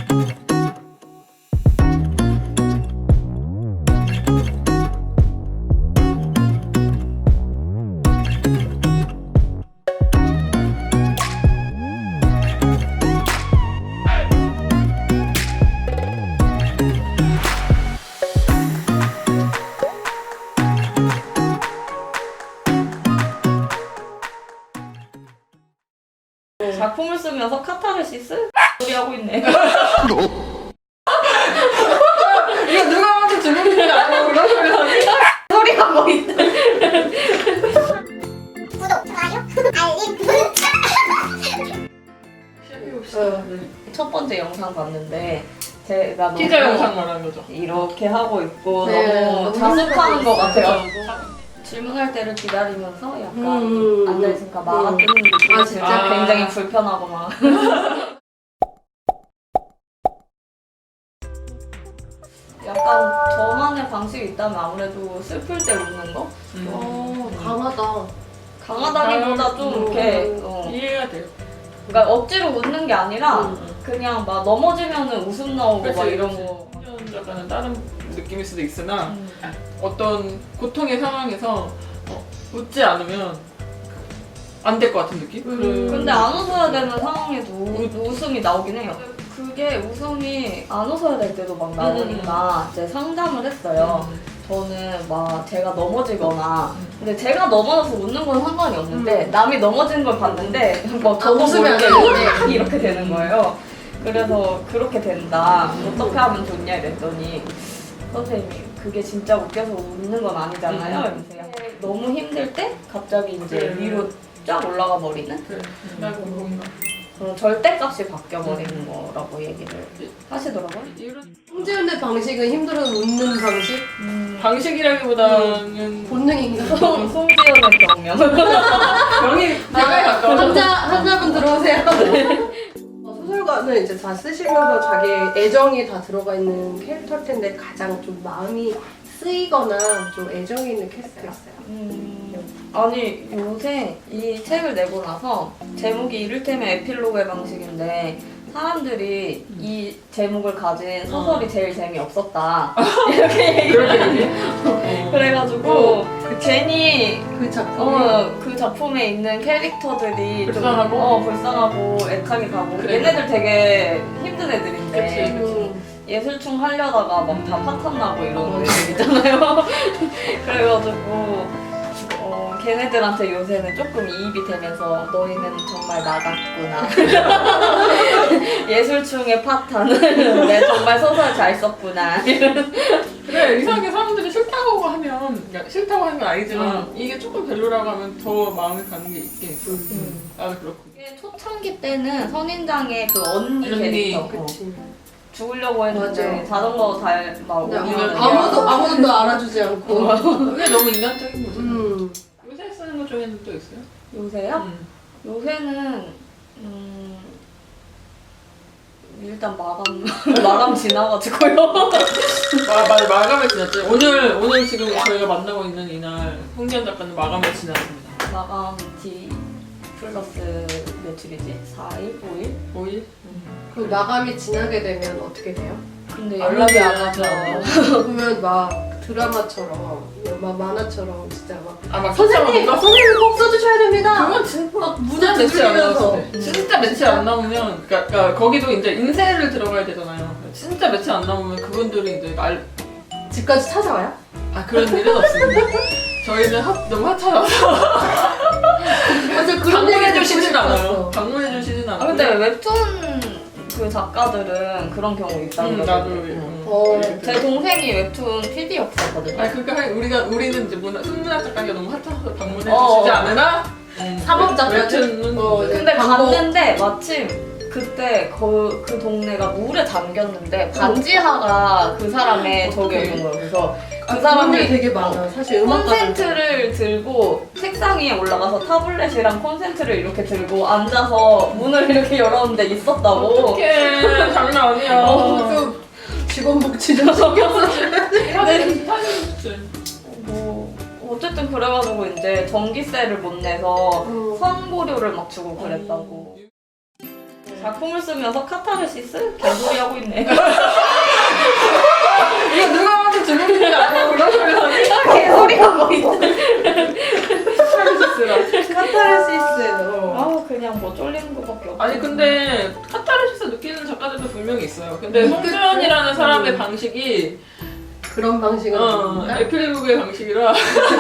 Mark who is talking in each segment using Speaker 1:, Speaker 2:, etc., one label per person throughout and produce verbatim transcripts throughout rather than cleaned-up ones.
Speaker 1: 작품을 쓰면서 카타르시스? 소리 하고 있네.
Speaker 2: 이거 누가 봐도 주문인지 알고 그런 소리 하니?
Speaker 1: 소리 하고 있네.
Speaker 3: 구독, 좋아요, 알림, 문자.
Speaker 1: 첫 번째 영상 봤는데 제가 너무
Speaker 2: 티저 영상 말하는 거죠.
Speaker 1: 이렇게 하고 있고
Speaker 2: 네,
Speaker 1: 너무
Speaker 2: 너무
Speaker 1: 자숙하는 것
Speaker 2: 힘들었어요.
Speaker 1: 같아요. 질문할 때를 기다리면서 약간
Speaker 2: 음,
Speaker 1: 앉아있으니까 마가
Speaker 2: 음.
Speaker 1: 뜨는 느낌이
Speaker 2: 아,
Speaker 1: 진짜
Speaker 2: 진짜?
Speaker 1: 굉장히 불편하고 막 약간 저만의 방식이 있다면 아무래도 슬플 때 웃는 거?
Speaker 2: 음.
Speaker 4: 어, 강하다.
Speaker 1: 강하다기보다 좀
Speaker 4: 음.
Speaker 1: 이렇게 어.
Speaker 2: 이해가 돼요.
Speaker 1: 그러니까 억지로 웃는 게 아니라
Speaker 2: 음.
Speaker 1: 그냥 막 넘어지면은 웃음 나오고
Speaker 2: 그치,
Speaker 1: 막 이런
Speaker 2: 그치.
Speaker 1: 거.
Speaker 2: 약간은 다른 느낌일 수도 있으나
Speaker 1: 음.
Speaker 2: 어떤 고통의 상황에서 어, 웃지 않으면 안 될 것 같은 느낌?
Speaker 4: 음.
Speaker 1: 근데 안 웃어야 되는 상황에도 우, 웃음이 나오긴 해요. 그게 웃음이 안 웃어야 될 때도 막 나오니까 이제 상담을 했어요.
Speaker 2: 음.
Speaker 1: 저는 막 제가 넘어지거나
Speaker 2: 음.
Speaker 1: 근데 제가 넘어져서 웃는 건 상관이 없는데 남이 넘어지는 걸 봤는데 뭐
Speaker 4: 아,
Speaker 1: 저도
Speaker 4: 웃으면 안
Speaker 1: 모르게
Speaker 4: 되는데.
Speaker 1: 이렇게 되는 거예요. 그래서 그렇게 된다. 어떻게 하면 좋냐 이랬더니 선생님이 그게 진짜 웃겨서 웃는 건 아니잖아요. 이러면서 약간 너무 힘들 때 갑자기 이제
Speaker 2: 음.
Speaker 1: 위로 쫙 올라가 버리는
Speaker 2: 그래. 나도 뭔가
Speaker 1: 그런 절대값이 바뀌어 버리는 거라고 얘기를 하시더라고요.
Speaker 2: 이런
Speaker 4: 홍지윤의 방식은 힘들어도 웃는 방식?
Speaker 1: 음,
Speaker 2: 방식이라기보다는
Speaker 4: 본능인가?
Speaker 1: 송- 송지연의 경명.
Speaker 2: 명이 내가 가까워.
Speaker 4: 한자, 한자분 들어오세요. 어, 소설가는 이제 다 쓰시면서 자기 애정이 다 들어가 있는 캐릭터일 텐데 가장 좀 마음이 쓰이거나 좀 애정이 있는 캐릭터가 있어요.
Speaker 1: 음, 아니 요새 이 책을 내고 나서 제목이 이를테면 에필로그의 방식인데 사람들이 이 제목을 가진 소설이 제일 재미없었다 이렇게 얘기를 해요. 그래가지고 괜히
Speaker 4: 그 작품이
Speaker 1: 어, 그 작품에 있는 캐릭터들이
Speaker 2: 불쌍하고?
Speaker 1: 좀 어, 불쌍하고 애착이 가고
Speaker 2: 그래.
Speaker 1: 얘네들 되게 힘든 애들인데
Speaker 2: 그치.
Speaker 4: 음,
Speaker 1: 예술충 하려다가 막 다 파탄 나고 이런 애들 있잖아요. 그래가지고 어, 걔네들한테 요새는 조금 이입이 되면서 너희는 정말 나 같구나. 예술충의 파탄은 내 정말 소설 잘 썼구나.
Speaker 2: 그래 이상하게 사람들이 싫다고 하면 그러니까 싫다고 하는 건 아니지만
Speaker 1: 음.
Speaker 2: 이게 조금 별로라고 하면 더 마음이 가는 게 있긴 있어.
Speaker 1: 음.
Speaker 2: 나도 그렇고.
Speaker 1: 이게 초창기 때는 선인장의 그 언니
Speaker 2: 언니,
Speaker 1: 캐릭터 어,
Speaker 4: 그치.
Speaker 1: 죽으려고 했는데
Speaker 4: 맞아.
Speaker 1: 자전거 잘막
Speaker 4: 근데
Speaker 1: 오면
Speaker 4: 아무도, 아무도 또 알아주지 않고.
Speaker 2: 그게 너무 인간적인 거죠.
Speaker 4: 음.
Speaker 2: 요새 쓰는 것 중에는 또 있어요?
Speaker 1: 요새요?
Speaker 2: 음.
Speaker 1: 요새는 음, 일단 마감 마감 지나가지고요.
Speaker 2: 마, 마, 마감을 지났죠. 오늘 오늘 지금 저희가 만나고 있는 이날 홍지연 작가는 마감을 지났습니다.
Speaker 1: 마감 뒤 플러스 며칠이지? 사 일? 오 일?
Speaker 2: 오 일?
Speaker 4: 그 마감이 지나게 되면 어떻게 돼요?
Speaker 1: 근데
Speaker 2: 안
Speaker 1: 연락이 안
Speaker 2: 하죠.
Speaker 1: 와서
Speaker 4: 그러면 막 드라마처럼, 막 만화처럼 진짜 막
Speaker 2: 아막
Speaker 4: 선생님! 선생님 꼭 써주셔야 됩니다!
Speaker 2: 그건 진짜
Speaker 4: 문자
Speaker 2: 며칠 안
Speaker 4: 두드리면서.
Speaker 2: 나왔을 때. 진짜 며칠 안 남으면 그러니까, 그러니까 거기도 이제 인쇄를 들어가야 되잖아요. 진짜 며칠 안 남으면 그분들이 이제 날
Speaker 4: 집까지 찾아와요?
Speaker 2: 아 그런 일은 없습니다. 저희는 하, 너무 하찮아서
Speaker 4: 맞아, 그런
Speaker 2: 방문해
Speaker 4: 얘기
Speaker 2: 주시진
Speaker 4: 듣고
Speaker 2: 않아요.
Speaker 4: 싶었어.
Speaker 2: 방문해 주시진 않아요.
Speaker 1: 아 근데 웹툰 그 작가들은 그런 경우 있다는
Speaker 2: 음,
Speaker 1: 거죠.
Speaker 2: 나도
Speaker 1: 응.
Speaker 4: 어,
Speaker 1: 제 동생이 웹툰 피디였었거든요.
Speaker 2: 아 그러니까 하- 우리가 우리는 이제 문화 순문학 작가가 너무 핫해서 방문해
Speaker 1: 어.
Speaker 2: 주시지 않으나 음,
Speaker 4: 사법 작가들?
Speaker 2: 웹툰은
Speaker 4: 어,
Speaker 2: 이제
Speaker 4: 네.
Speaker 1: 근데
Speaker 4: 광고.
Speaker 1: 갔는데 마침 그때 그, 그 동네가 물에 잠겼는데 반지하가 그 사람의 저기였는 거예요. 그래서 그
Speaker 4: 아,
Speaker 1: 사람이
Speaker 4: 사람들이 되게 많아. 사실 음악가들.
Speaker 1: 콘센트를 들고 책상 위에 올라가서 타블렛이랑 콘센트를 이렇게 들고 앉아서 문을 이렇게 열었는데 있었다고.
Speaker 2: 어떡해 장난 아니야.
Speaker 4: 어, 그 직원복지 좀 신경 써줘야 돼.
Speaker 2: 하긴 하긴
Speaker 1: 뭐 어쨌든 그래가지고 이제 전기세를 못 내서
Speaker 4: 음.
Speaker 1: 선고료를 막 주고 그랬다고. 작품을 쓰면서 카타르시스? 개소리 하고 있네.
Speaker 2: 이거 누가 봐도 주문이 아니고 그런 소리 하니?
Speaker 1: 개소리 하고 있네.
Speaker 4: 카타르시스. 어.
Speaker 1: 아 그냥 뭐 쫄리는 것밖에 없어.
Speaker 2: 아니 근데 카타르시스 느끼는 작가들도 분명히 있어요. 근데
Speaker 4: 음,
Speaker 2: 송주연이라는
Speaker 4: 그-
Speaker 2: 사람의
Speaker 4: 음.
Speaker 2: 방식이
Speaker 4: 그런 방식은
Speaker 2: 어,
Speaker 4: 아닙니까?
Speaker 2: 에필로그의 방식이라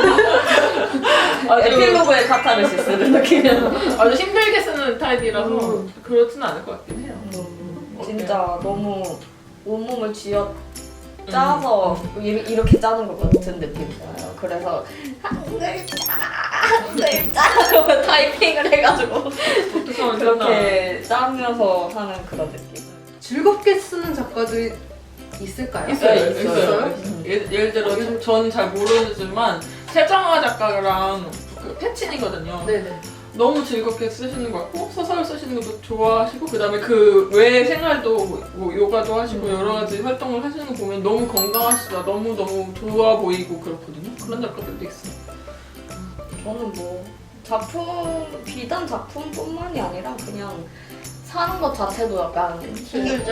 Speaker 2: 아주,
Speaker 1: 에필로그의 카타르시스를 느끼면
Speaker 2: 아주 힘들게 쓰는 타입이라서
Speaker 4: 음.
Speaker 2: 그렇지는 않을 것 같긴 해요.
Speaker 1: 음, 진짜 너무 온몸을 쥐어 짜서 이- 이렇게 짜는 것 같은 느낌이에요. 그래서 한 글자 한 글자 타이핑을 해가지고
Speaker 2: 독특성을 짠다.
Speaker 1: 그렇게 짜면서 하는 그런 느낌.
Speaker 4: 즐겁게 쓰는 작가들이 있을까요?
Speaker 2: 있어요,
Speaker 1: 네,
Speaker 2: 있어요.
Speaker 1: 있어요.
Speaker 2: 있어요. 예를, 예를 들어 전 잘 모르지만 세정화 작가랑 그 패친이거든요.
Speaker 4: 네네.
Speaker 2: 너무 즐겁게 쓰시는 것 같고 소설 쓰시는 것도 좋아하시고 그 다음에 그 외 생활도 뭐 요가도 하시고
Speaker 1: 음.
Speaker 2: 여러 가지 활동을 하시는 거 보면 너무 건강하시다 너무 너무 좋아 보이고 그렇거든요. 그런 작가들도 있어요.
Speaker 1: 저는 뭐 작품 비단 작품뿐만이 아니라 그냥 사는 것 자체도 약간
Speaker 4: 힘들죠?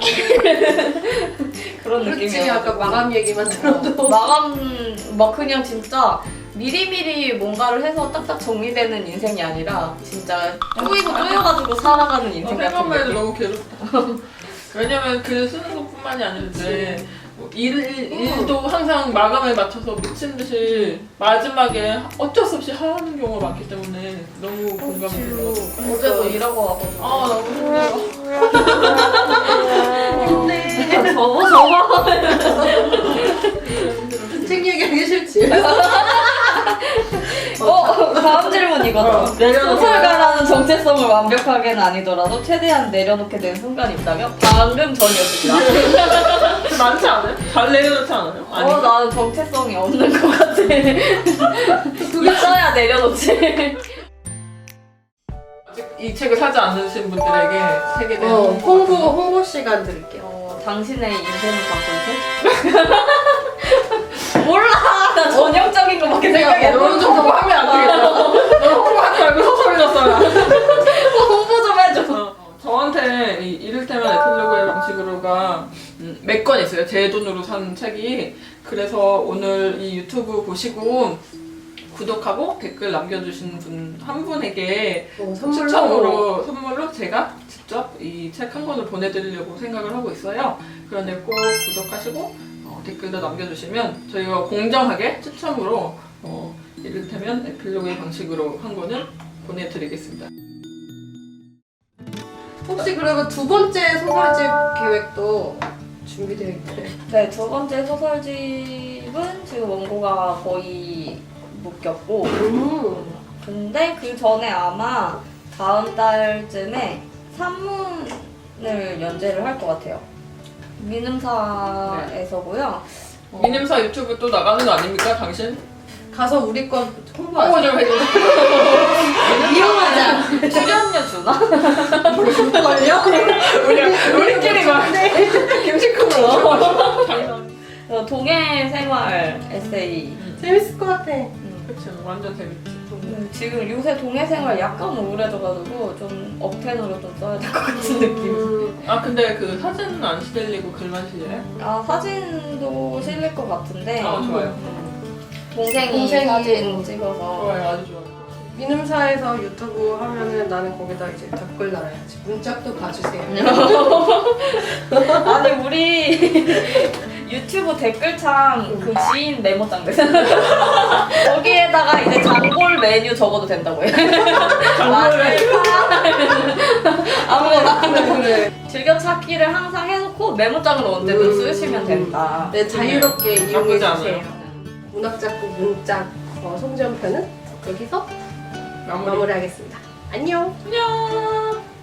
Speaker 1: 그런
Speaker 4: 그렇지,
Speaker 1: 느낌이에요.
Speaker 4: 아까 마감 얘기만 들어도.
Speaker 1: 마감 막 그냥 진짜 미리미리 뭔가를 해서 딱딱 정리되는 인생이 아니라 진짜 쪼이고 쪼여가지고 살아가는 인생 같은
Speaker 2: 생각만 해도
Speaker 1: 느낌.
Speaker 2: 너무 괴롭다. 왜냐면 글 쓰는 것뿐만이 아니라 이제 뭐 일, 일도 항상 마감에 맞춰서 미친 듯이 마지막에 어쩔 수 없이 하는 경우가 많기 때문에 너무 공감이 돼요.
Speaker 1: 어제도 일하고 와가지고
Speaker 2: 아 너무 힘들어.
Speaker 4: 힘내.
Speaker 1: 접어 접어
Speaker 4: 책 얘기하기 싫지?
Speaker 1: 어 다음 질문 이거다.
Speaker 2: 어, 내려놓고.
Speaker 1: 소설가라는 정체성을 완벽하게는 아니더라도 최대한 내려놓게 된 순간이 있다면 방금 전이었습니다.
Speaker 2: 많지 않아요? 잘 내려놓지 않아요? 아니.
Speaker 1: 어 나는 정체성이 없는 것 같아. 있어야 내려놓지.
Speaker 2: 아직 이 책을 사지 않으신 분들에게 책에 대한
Speaker 4: 어, 홍보,
Speaker 2: 홍보
Speaker 4: 홍보 시간 드릴게요.
Speaker 1: 어, 당신의 인생을 바꾼 책? 몰라! 나 전형적인 거밖에 생각이 안 나.
Speaker 2: 너는 좀 홍보하면 안 되겠다. 너 홍보하지 말고 소설이나 써라.
Speaker 1: 홍보 좀 해줘.
Speaker 2: 어, 저한테 이 이를테면 에필로그의 방식으로가 음, 몇 권 있어요. 제 돈으로 산 책이. 그래서 오늘 이 유튜브 보시고 구독하고 댓글 남겨주신 분 한 분에게
Speaker 4: 어, 선물로.
Speaker 2: 추첨으로 선물로 제가 직접 이 책 한 권을 보내드리려고 생각을 하고 있어요. 그런데 꼭 구독하시고 어, 댓글도 남겨주시면 저희가 공정하게 추첨으로 어, 이를테면 에필로그의 방식으로 한 권을 보내드리겠습니다.
Speaker 4: 혹시 그리고 두 번째 소설집 계획도 준비되어 있나요?
Speaker 1: 네, 두 번째 소설집은 지금 원고가 거의 묶였고
Speaker 4: 음.
Speaker 1: 근데 그 전에 아마 다음 달쯤에 산문을 연재를 할 것 같아요. 민음사에서고요. 어,
Speaker 2: 미님사 유튜브 또 나가는 거 아닙니까, 당신?
Speaker 4: 가서 우리 거
Speaker 2: 홍보
Speaker 4: 홍보하자.
Speaker 2: 좀 해줘.
Speaker 4: 이용하자.
Speaker 1: 출연료 주나?
Speaker 4: 걸려?
Speaker 2: 우리, 우리끼리 막 김치국으로.
Speaker 1: 어, 동해 생활 에세이.
Speaker 4: 재밌을 것 같아.
Speaker 1: 음.
Speaker 2: 그치, 완전 재밌지.
Speaker 1: 음, 지금 요새 동해 생활 약간 우울해져가지고 좀 억텐으로 좀 써야 될 것 같은 느낌.
Speaker 4: 음.
Speaker 2: 아, 근데 그 사진은 안 시들리고 글만 실려요?
Speaker 1: 아 사진도 실릴 것 같은데.
Speaker 2: 아, 좋아요.
Speaker 1: 음, 동생이,
Speaker 4: 동생이
Speaker 1: 사진 찍어서.
Speaker 2: 좋아요, 아주 좋아요.
Speaker 4: 민음사에서 유튜브 하면은 나는 거기다 이제 댓글 달아야지. 문짝도 봐주세요.
Speaker 1: 아니 우리 유튜브 댓글창 그 지인 메모장 됐어. 거기에다가 이제 장볼 메뉴 적어도 된다고요. 아무거나
Speaker 4: 그래.
Speaker 1: 즐겨찾기를 항상 해놓고 메모장으로 언제든
Speaker 4: 음.
Speaker 1: 쓰시면 된다.
Speaker 4: 네, 자유롭게
Speaker 2: 나쁘지
Speaker 4: 이용해
Speaker 2: 않아요.
Speaker 4: 주세요. 문학작곡 문짝 어, 송지연 편은 여기서
Speaker 2: 마무리.
Speaker 4: 마무리하겠습니다. 안녕.
Speaker 2: 안녕.